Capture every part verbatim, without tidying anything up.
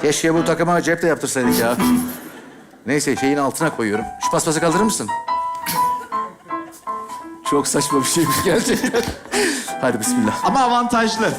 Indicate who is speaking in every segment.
Speaker 1: Keşke bu takıma cep de yaptırsaydık ya. Neyse şeyin altına koyuyorum. Şu paspası kaldırır mısın? Çok saçma bir şeymiş gerçekten. Hadi bismillah.
Speaker 2: Ama avantajlı.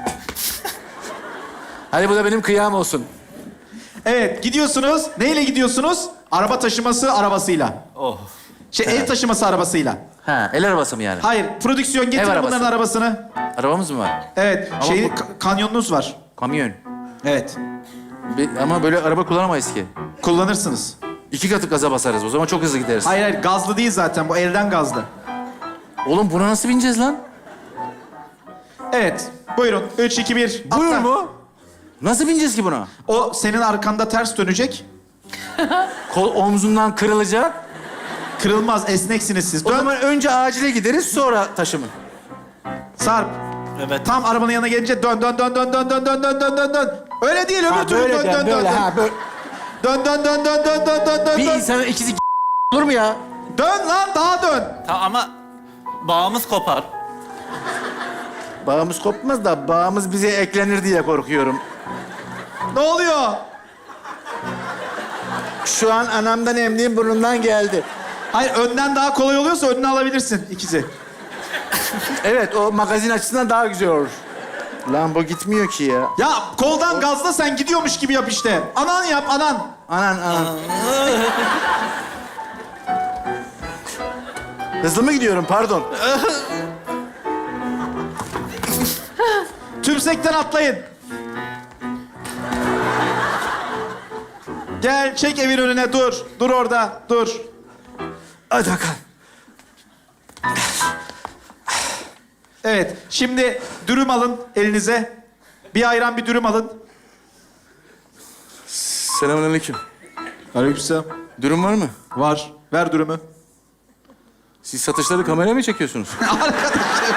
Speaker 1: Hadi bu da benim kıyam olsun.
Speaker 2: Evet, gidiyorsunuz. Neyle gidiyorsunuz? Araba taşıması arabasıyla.
Speaker 3: Oh.
Speaker 2: Şey, ev taşıması arabasıyla.
Speaker 1: Ha, el arabası mı yani?
Speaker 2: Hayır, prodüksiyon getirin
Speaker 1: arabası.
Speaker 2: bunların arabasını.
Speaker 1: Arabamız mı var?
Speaker 2: Evet,
Speaker 1: Ama
Speaker 2: şeyi,
Speaker 1: bu-
Speaker 2: ka- kanyonunuz var.
Speaker 1: Kamyon.
Speaker 2: Evet,
Speaker 1: Bir- ama böyle araba kullanamayız ki.
Speaker 2: kullanırsınız.
Speaker 1: İki katı gaza basarız. O zaman çok hızlı gideriz.
Speaker 2: Hayır hayır, gazlı değil zaten. Bu elden gazlı.
Speaker 1: Oğlum buna nasıl bineceğiz lan?
Speaker 2: Evet, buyurun. Üç, iki, bir.
Speaker 1: Buyur
Speaker 2: atla.
Speaker 1: mu? Nasıl bineceğiz ki buna?
Speaker 2: O senin arkanda ters dönecek.
Speaker 1: Kol omzundan kırılacak.
Speaker 2: Kırılmaz, esneksiniz siz.
Speaker 1: O
Speaker 2: Dön,
Speaker 1: zaman önce acile gideriz, sonra taşımı.
Speaker 2: Sarp.
Speaker 3: Evet.
Speaker 2: Tam arabanın yanına gelince dön, dön, dön, dön, dön, dön, dön, dön, dön, dön, dön. Öyle değil, öbür türlü dön, dön, dön, dön.
Speaker 1: ha, böyle.
Speaker 2: Dön, dön, dön, dön, dön, dön, dön, dön,
Speaker 1: Bir
Speaker 2: dön.
Speaker 1: insanın ikisi olur mu ya?
Speaker 2: Dön lan, daha dön.
Speaker 3: Tamam ama bağımız kopar.
Speaker 1: Bağımız kopmaz da bağımız bize eklenir diye korkuyorum.
Speaker 2: Ne oluyor?
Speaker 1: Şu an anamdan emdiğim burnumdan geldi.
Speaker 2: Hayır, önden daha kolay oluyorsa önüne alabilirsin ikisi.
Speaker 1: Evet, o magazin açısından daha güzel olur. Lan bu gitmiyor ki ya.
Speaker 2: Ya koldan gazla, sen gidiyormuş gibi yap işte. Anan yap, anan.
Speaker 1: Anan, anan. Hızlı mı gidiyorum, pardon.
Speaker 2: Tümsekten atlayın. Gel, çek evin önüne, dur. Dur orada, dur.
Speaker 1: Hadi bakalım.
Speaker 2: Evet, şimdi dürüm alın elinize. Bir ayran, bir dürüm alın.
Speaker 1: Selamünaleyküm.
Speaker 2: Aleykümselam.
Speaker 1: Dürüm var mı?
Speaker 2: Var. Ver dürümü.
Speaker 1: Siz satışları kameraya mı çekiyorsunuz?
Speaker 2: Arkadaşım.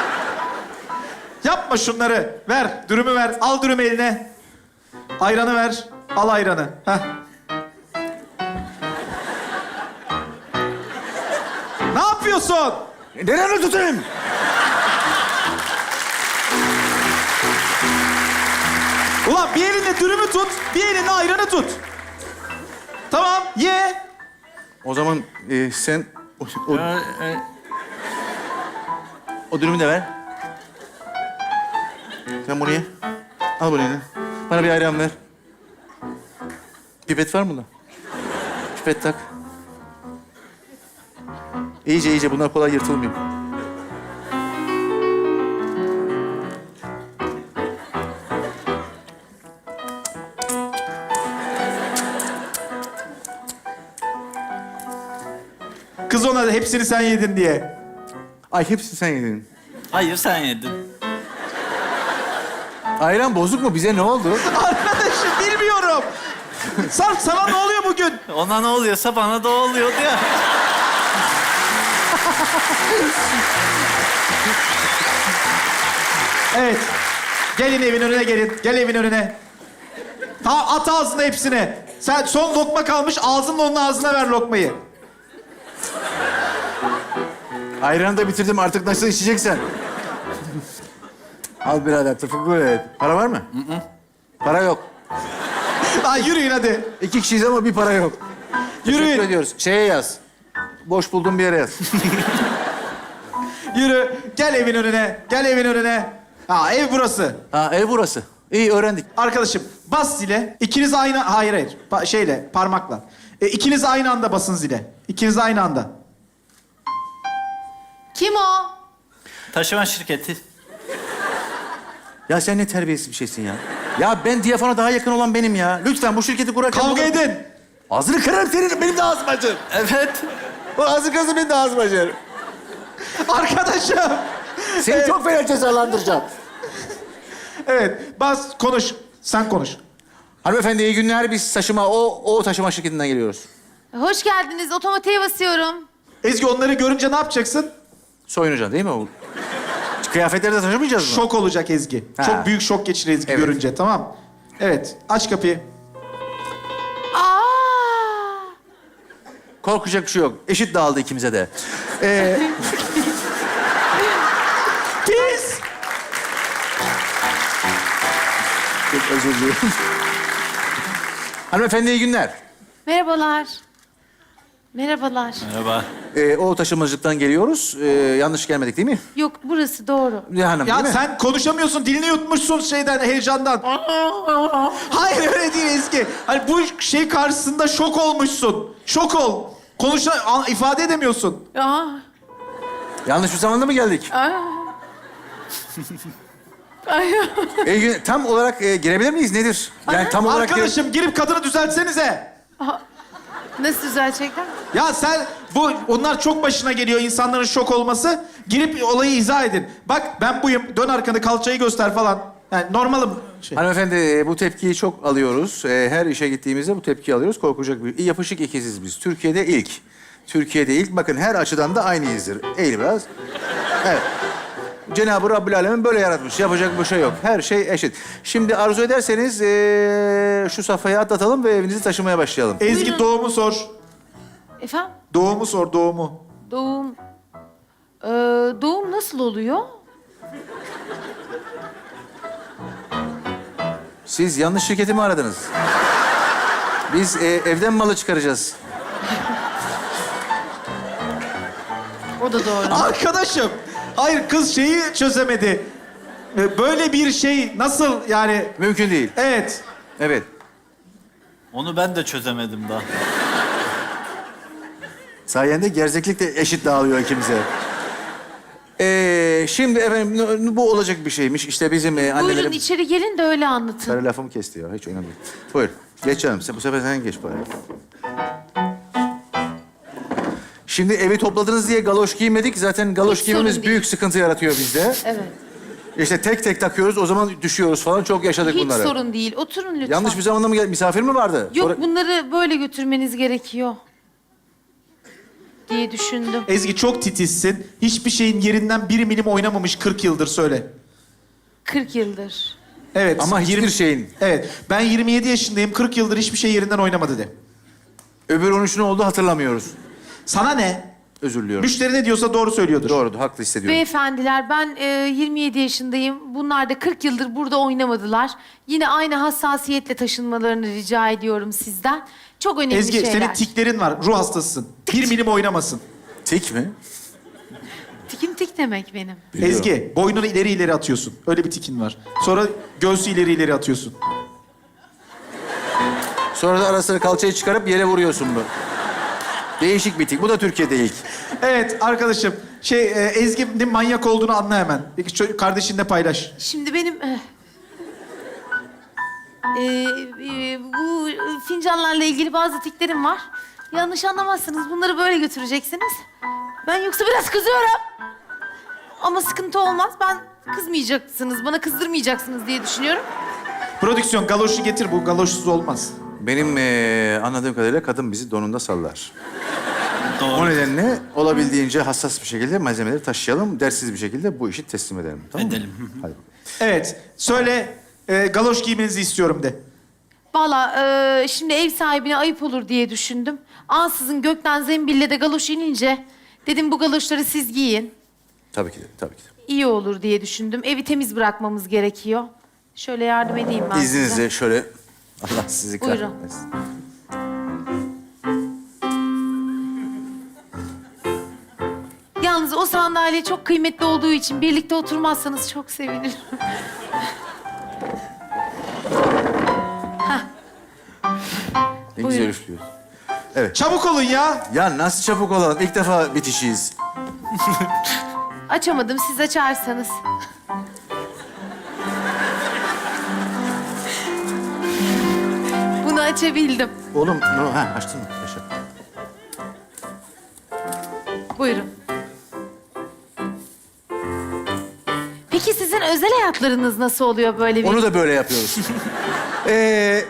Speaker 2: Yapma şunları. Ver, dürümü ver. Al dürümü eline. Ayranı ver. Al ayranı. Heh. Ne yapıyorsun?
Speaker 1: Nereye tutayım?
Speaker 2: Ulan bir elinde dürümü tut, bir elinde ayranı tut. Tamam, ye.
Speaker 1: O zaman e, sen o, o,
Speaker 3: Ee, e,
Speaker 1: o dürümü de ver. Sen bunu ye. Al bunu eline. Bana bir ayran ver. Pipet var mı da? Pipet tak. İyice iyice, bunlar kolay yırtılmıyor.
Speaker 2: Kız ona da hepsini sen yedin diye.
Speaker 1: Ay hepsini sen yedin.
Speaker 3: hayır sen yedin.
Speaker 1: Ayran bozuk mu? Bize ne oldu?
Speaker 2: Arkadaşım bilmiyorum. Sarp, sana ne oluyor bugün?
Speaker 3: Ona ne oluyorsa bana da oluyordu ya.
Speaker 2: Evet. Gelin evin önüne gelin. Gel evin önüne. Ta at ağzına hepsini. Sen son lokma kalmış, ağzınla onun ağzına ver lokmayı.
Speaker 1: Ayranı da bitirdim, artık nasıl içeceksen. Al birader, tırfıklı et. Para var mı? Hı hı. Para yok.
Speaker 2: Lan yürüyün hadi.
Speaker 1: İki kişiyiz ama bir para yok.
Speaker 2: Yürüyün.
Speaker 1: Teşekkür ediyoruz. Şeye yaz. Boş bulduğum bir yere yaz.
Speaker 2: Yürü. Gel evin önüne. Gel evin önüne. Ha, ev burası.
Speaker 1: Ha, ev burası. İyi, öğrendik.
Speaker 2: Arkadaşım bas zile. İkiniz aynı... Hayır hayır. Pa- şeyle, parmakla. E, ikiniz aynı anda basın zile. İkiniz aynı anda.
Speaker 4: Kim o?
Speaker 3: Taşıma şirketi.
Speaker 1: Ya sen ne terbiyesiz bir şeysin ya. Ya ben diyafona daha yakın olan benim ya. Lütfen bu şirketi kurarken...
Speaker 2: Kavga
Speaker 1: bunu-
Speaker 2: edin.
Speaker 1: Ağzını kırarım senin, benim de ağzım acır.
Speaker 3: Evet.
Speaker 1: O ağzı kırarsa benim de ağzım acır.
Speaker 2: Arkadaşım.
Speaker 1: Seni
Speaker 2: Evet.
Speaker 1: çok fena cezalandıracağım.
Speaker 2: Evet. Bas, konuş. Sen konuş.
Speaker 1: Hanımefendi iyi günler. Biz taşıma, o, o taşıma şirketinden geliyoruz.
Speaker 4: Hoş geldiniz. Otomatiğe basıyorum.
Speaker 2: Ezgi, onları görünce ne yapacaksın?
Speaker 1: Soyunacaksın değil mi o? Kıyafetleri de taşımayacağız mı?
Speaker 2: Şok olacak Ezgi.
Speaker 1: Ha.
Speaker 2: Çok büyük şok geçirir Ezgi
Speaker 1: Evet.
Speaker 2: görünce, tamam. Evet. Aç kapıyı.
Speaker 4: Aa!
Speaker 1: Korkacak bir şey yok. Eşit dağıldı ikimize de. Ee,
Speaker 2: Pis.
Speaker 1: çok özür dilerim. Hanımefendi iyi günler.
Speaker 4: Merhabalar. Merhabalar.
Speaker 3: Merhaba.
Speaker 1: Ee, o taşımacılıktan geliyoruz. Ee, yanlış gelmedik değil mi?
Speaker 4: Yok burası doğru.
Speaker 1: Ne hanım
Speaker 2: Ya
Speaker 1: değil mi?
Speaker 2: sen konuşamıyorsun, dilini yutmuşsun şeyden, heyecandan. Hayır öyle değil Ezgi. Hani bu şey karşısında şok olmuşsun. Şok ol. Konuşa, a- ifade edemiyorsun.
Speaker 4: Aa.
Speaker 1: Yanlış bir zamanda mı geldik?
Speaker 4: Aa. Ay.
Speaker 1: Ee, gün- tam olarak e, girebilir miyiz? Nedir? Yani tam olarak...
Speaker 2: Arkadaşım girip kadını düzeltsenize.
Speaker 4: Nasıl düzelecekler?
Speaker 2: Ya sen bu onlar çok başına geliyor insanların şok olması. Girip olayı izah edin. Bak ben buyum. Dön arkanı kalçayı göster falan. Yani normalim. Şey.
Speaker 1: Hanımefendi e, bu tepkiyi çok alıyoruz. E, Her işe gittiğimizde bu tepkiyi alıyoruz. Korkacak bir... Yapışık ikiziz biz. Türkiye'de ilk. Türkiye'de ilk. Bakın her açıdan da aynıyızdır. Eğil biraz. Evet. Cenab-ı Rabbül Alemin böyle yaratmış. Yapacak bir şey yok. Her şey eşit. Şimdi arzu ederseniz e, şu safhayı atlatalım ve evinizi taşımaya başlayalım.
Speaker 2: Ezgi
Speaker 4: Buyurun.
Speaker 2: doğumu sor.
Speaker 4: Efendim?
Speaker 2: Doğumu sor doğumu.
Speaker 4: Doğum... Ee, doğum nasıl oluyor?
Speaker 1: Siz yanlış şirketi mi aradınız? Biz e, evden malı çıkaracağız.
Speaker 4: O da doğru.
Speaker 2: Arkadaşım. Hayır kız şeyi çözemedi. Böyle bir şey nasıl yani?
Speaker 1: Mümkün değil.
Speaker 2: Evet.
Speaker 1: Evet.
Speaker 3: Onu ben de çözemedim daha.
Speaker 1: Sayende gerzeklik de eşit dağılıyor ikimize. Ee, şimdi efendim bu olacak bir şeymiş. İşte bizim e,
Speaker 4: Buyurun
Speaker 1: annelerim...
Speaker 4: içeri gelin de öyle anlatın.
Speaker 1: Sarı lafımı kesti ya. Hiç önemli değil. Buyur. Geç canım. Sen, bu sefer sen geç bari. Şimdi evi topladınız diye galoş giymedik. Zaten galoş
Speaker 4: Hiç
Speaker 1: giymemiz
Speaker 4: sorun
Speaker 1: büyük
Speaker 4: değil.
Speaker 1: sıkıntı yaratıyor bizde.
Speaker 4: Evet.
Speaker 1: İşte tek tek takıyoruz. O zaman düşüyoruz falan. Çok yaşadık
Speaker 4: Hiç
Speaker 1: bunları.
Speaker 4: sorun değil. Oturun lütfen.
Speaker 1: Yanlış bir zamanda mı geldi? Misafir mi vardı?
Speaker 4: Yok
Speaker 1: Sonra-
Speaker 4: bunları böyle götürmeniz gerekiyor. Diye düşündüm.
Speaker 2: Ezgi çok titizsin. Hiçbir şeyin yerinden bir milim oynamamış kırk yıldır söyle.
Speaker 4: kırk yıldır.
Speaker 2: Evet.
Speaker 1: Ama hiçbir
Speaker 2: yirmi
Speaker 1: şeyin.
Speaker 2: Evet. Ben yirmi yedi yaşındayım. kırk yıldır hiçbir şey yerinden oynamadı de.
Speaker 1: Öbür on üç ne oldu hatırlamıyoruz.
Speaker 2: Sana ne?
Speaker 1: Özür diliyorum.
Speaker 2: Müşteri ne diyorsa doğru söylüyordur.
Speaker 1: Doğru, haklı hissediyorum.
Speaker 4: Beyefendiler ben e, yirmi yedi yaşındayım. Bunlar da kırk yıldır burada oynamadılar. Yine aynı hassasiyetle taşınmalarını rica ediyorum sizden. Çok önemli
Speaker 2: Ezgi
Speaker 4: şeyler.
Speaker 2: senin tiklerin var. Ruh hastasısın. Bir milim oynamasın.
Speaker 1: Tik mi?
Speaker 4: Tikim tik demek benim.
Speaker 1: Biliyorum.
Speaker 2: Ezgi boynunu ileri ileri atıyorsun. Öyle bir tikin var. Sonra göğsü ileri ileri atıyorsun.
Speaker 1: Sonra da ara sıra kalçayı çıkarıp yere vuruyorsun bu. Değişik bir tik. Bu da Türkiye'de ilk.
Speaker 2: Evet arkadaşım. Şey e, Ezgi'nin manyak olduğunu anla hemen. Peki ço- kardeşinle paylaş.
Speaker 4: Şimdi benim... eh, e, e, bu fincanlarla ilgili bazı tiklerim var. Yanlış anlamazsınız. Bunları böyle götüreceksiniz. Ben yoksa biraz kızıyorum. Ama sıkıntı olmaz. Ben kızmayacaksınız, bana kızdırmayacaksınız diye düşünüyorum.
Speaker 2: Prodüksiyon galoşu getir. Bu galoşsuz olmaz.
Speaker 1: Benim eee, anladığım kadarıyla kadın bizi donunda sallar. O
Speaker 3: Doğru.
Speaker 1: nedenle olabildiğince hassas bir şekilde malzemeleri taşıyalım. Dersiz bir şekilde bu işi teslim edelim. Tamam mı?
Speaker 3: Edelim.
Speaker 1: Hadi.
Speaker 2: Evet. Söyle e, galoş giymenizi istiyorum de.
Speaker 4: Valla e, şimdi ev sahibine ayıp olur diye düşündüm. Ansızın gökten zembille de galoş inince... Dedim bu galoşları siz giyin.
Speaker 1: Tabii ki de, tabii ki de.
Speaker 4: İyi olur diye düşündüm. Evi temiz bırakmamız gerekiyor. Şöyle yardım edeyim ben size.
Speaker 1: İzninizle şöyle... Allah sizi
Speaker 4: Buyurun.
Speaker 1: kahretmesin.
Speaker 4: Yalnız o sandalye çok kıymetli olduğu için birlikte oturmazsanız çok sevinirim.
Speaker 1: Ne
Speaker 4: Buyurun.
Speaker 1: güzel üflüyor. Evet.
Speaker 2: Çabuk olun ya.
Speaker 1: Ya nasıl çabuk olalım? İlk defa bitişiyiz.
Speaker 4: Açamadım, siz açarsanız. Bunu açabildim.
Speaker 1: Oğlum, no, ha, açtın mı? Yaşa.
Speaker 4: Buyurun. Peki sizin özel hayatlarınız nasıl oluyor böyle bir...
Speaker 1: Onu da böyle yapıyoruz. ee,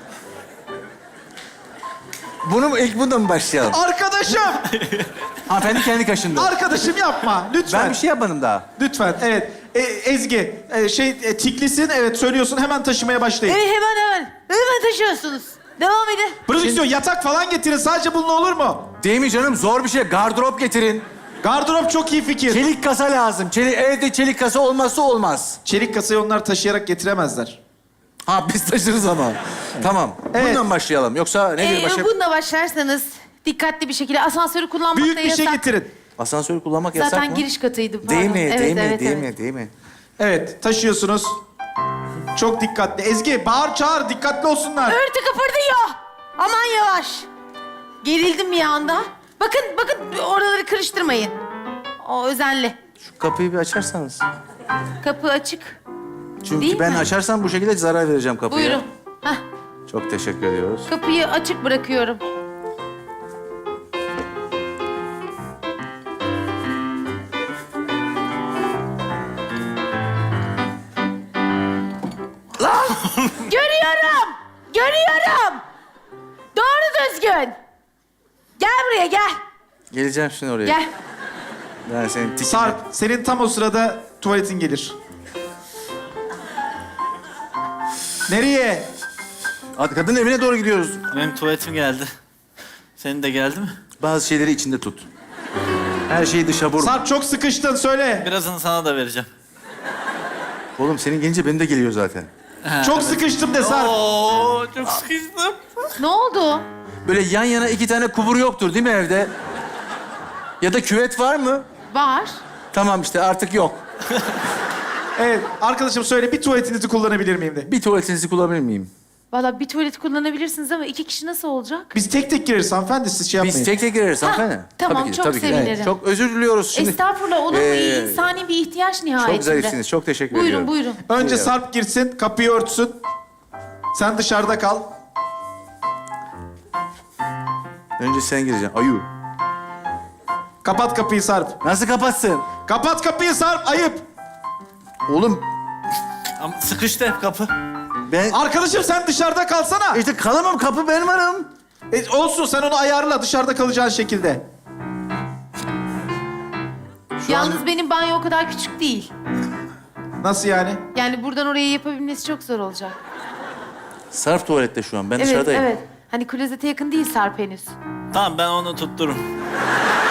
Speaker 1: bunu mu, ilk bundan mı başlayalım?
Speaker 2: Arkadaşım.
Speaker 1: Hanımefendi kendi kaşındı.
Speaker 2: Arkadaşım yapma. Lütfen.
Speaker 1: Ben bir şey yapmadım daha.
Speaker 2: Lütfen. Evet. E, Ezgi e, şey e, tiklisin. Evet söylüyorsun. Hemen taşımaya başlayın.
Speaker 4: Evet, hemen hemen. Hemen taşıyorsunuz. Devam edin.
Speaker 2: Prodüksiyon yatak falan getirin. Sadece bununla olur mu?
Speaker 1: Değil mi canım? Zor bir şey. Gardırop getirin.
Speaker 2: Gardırop çok iyi fikir.
Speaker 1: Çelik kasa lazım. Çelik, evde çelik kasa olmazsa olmaz.
Speaker 2: Çelik kasayı onlar taşıyarak getiremezler.
Speaker 1: Ha biz taşırız ama. Tamam.
Speaker 2: Evet.
Speaker 1: Bundan başlayalım. Yoksa nedir
Speaker 4: Ee,
Speaker 1: başka?
Speaker 4: bununla başlarsanız dikkatli bir şekilde asansörü kullanmak
Speaker 2: Büyük
Speaker 4: da
Speaker 2: bir şey
Speaker 4: yasak.
Speaker 2: getirin.
Speaker 1: Asansörü kullanmak yasak
Speaker 4: Zaten
Speaker 1: mı?
Speaker 4: giriş katıydı. Pardon.
Speaker 1: Değil mi?
Speaker 4: Evet,
Speaker 1: değil mi?
Speaker 4: evet,
Speaker 1: değil
Speaker 4: evet.
Speaker 1: mi? Değil mi?
Speaker 2: Evet, taşıyorsunuz. Çok dikkatli. Ezgi, bağır çağır, dikkatli olsunlar.
Speaker 4: Örtü kıpırdıyor. Aman yavaş. Gerildim bir anda. Bakın, bakın oraları karıştırmayın. O özenli.
Speaker 1: Şu kapıyı bir açarsanız.
Speaker 4: Kapı açık.
Speaker 1: Çünkü
Speaker 4: Değil
Speaker 1: ben
Speaker 4: mi?
Speaker 1: açarsam bu şekilde zarar vereceğim kapıya.
Speaker 4: Buyurun. Hah,
Speaker 1: Çok teşekkür ediyoruz.
Speaker 4: kapıyı açık bırakıyorum. Görüyorum. Görüyorum. Doğru düzgün. Gel buraya gel.
Speaker 1: Geleceğim şimdi oraya.
Speaker 4: Gel.
Speaker 1: Ben senin tikine...
Speaker 2: Sarp, senin tam o sırada tuvaletin gelir. Nereye?
Speaker 1: Hadi kadın evine doğru gidiyoruz.
Speaker 3: Benim tuvaletim geldi. Senin de geldi mi?
Speaker 1: Bazı şeyleri içinde tut. Her şeyi dışa vurma.
Speaker 2: Sarp çok sıkıştın, söyle.
Speaker 3: Birazını sana da vereceğim.
Speaker 1: Oğlum senin gelince benim de geliyor zaten.
Speaker 2: Çok sıkıştım de Sarp.
Speaker 3: Oo, çok sıkıştım.
Speaker 4: Ne oldu?
Speaker 1: Böyle yan yana iki tane kubur yoktur değil mi evde? Ya da küvet var mı?
Speaker 4: Var.
Speaker 1: Tamam işte artık yok.
Speaker 2: Evet, arkadaşım söyle, bir tuvaletinizi kullanabilir miyim de.
Speaker 1: Bir tuvaletinizi kullanabilir miyim?
Speaker 4: Vallahi bir tuvalet kullanabilirsiniz ama iki kişi nasıl olacak?
Speaker 2: Biz tek tek gireriz hanımefendi, siz şey yapmayın.
Speaker 1: Biz tek tek gireriz hanımefendi.
Speaker 4: tamam, çok sevinirim.
Speaker 1: Çok özür diliyoruz şimdi.
Speaker 4: Estağfurullah, olur mu?
Speaker 1: Ee,
Speaker 4: İnsani bir ihtiyaç nihayetinde.
Speaker 1: Çok zarifsiniz. Çok teşekkür
Speaker 4: Buyurun,
Speaker 1: ediyorum.
Speaker 4: buyurun.
Speaker 2: Önce
Speaker 1: Buyurun.
Speaker 2: Sarp girsin, kapıyı örtsün. Sen dışarıda kal.
Speaker 1: Önce sen gireceksin. Ayu.
Speaker 2: Kapat kapıyı Sarp.
Speaker 1: Nasıl kapatsın?
Speaker 2: Kapat kapıyı Sarp, ayıp.
Speaker 1: Oğlum
Speaker 3: Ama sıkıştı hep kapı.
Speaker 1: ben...
Speaker 2: Arkadaşım sen dışarıda kalsana.
Speaker 1: İşte kalamam, kapı ben varım.
Speaker 2: E, olsun, sen onu ayarla dışarıda kalacağın şekilde.
Speaker 4: Yalnız benim banyo o kadar küçük değil.
Speaker 2: Nasıl yani?
Speaker 4: Yani buradan oraya yapabilmesi çok zor olacak.
Speaker 1: Sarp tuvalette şu an. Ben
Speaker 4: Evet,
Speaker 1: dışarıdayım.
Speaker 4: evet. Hani klozete yakın değil Sarp henüz.
Speaker 3: Tamam ben onu tuttururum.